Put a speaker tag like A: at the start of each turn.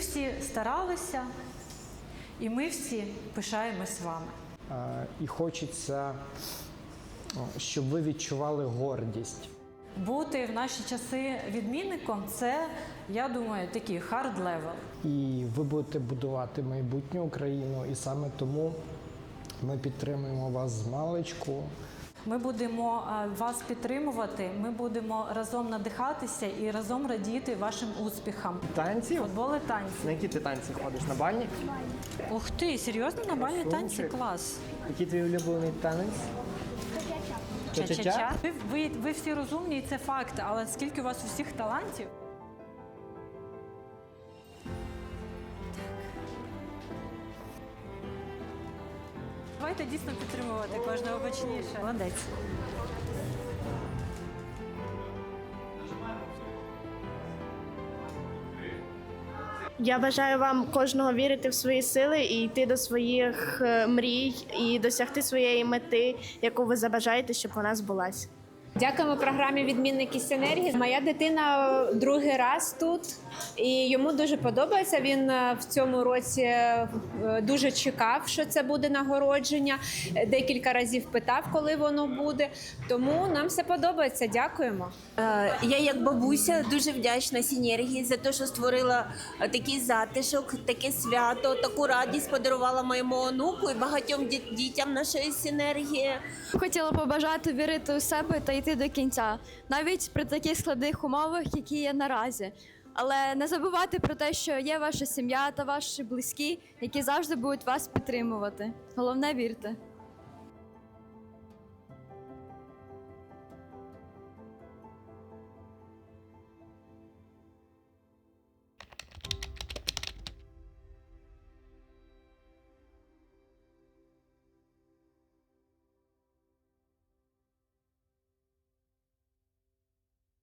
A: всі старалися, і ми всі пишаємось вами.
B: І хочеться, щоб ви відчували гордість.
A: Бути в наші часи відмінником – це, я думаю, такий hard level.
B: І ви будете будувати майбутню Україну, і саме тому ми підтримуємо вас змалечку.
A: Ми будемо вас підтримувати, ми будемо разом надихатися і разом радіти вашим успіхам.
C: Танці?
A: Футбол і танці.
C: На які ти танці ходиш? На бальні?
A: Ух ти, серйозно? На бальні танці?
C: Супер.
A: Клас.
C: Який твій улюблений танець? Ча-ча-ча?
A: Ви всі розумні, і це факт, але скільки у вас усіх талантів? Давайте дійсно підтримувати кожного гучніше. Молодець.
D: Я бажаю вам кожного вірити в свої сили і йти до своїх мрій і досягти своєї мети, яку ви забажаєте, щоб вона збулась.
E: Дякуємо програмі «Відмінники Синергії». Моя дитина другий раз тут, і йому дуже подобається. Він в цьому році дуже чекав, що це буде нагородження. Декілька разів питав, коли воно буде. Тому нам все подобається. Дякуємо.
F: Я як бабуся дуже вдячна Синергії за те, що створила такий затишок, таке свято, таку радість подарувала моєму онуку і багатьом дітям нашої Синергії.
G: Хотіла побажати вірити у себе та йти до кінця, навіть при таких складних умовах, які є наразі. Але не забувати про те, що є ваша сім'я та ваші близькі, які завжди будуть вас підтримувати. Головне – вірте.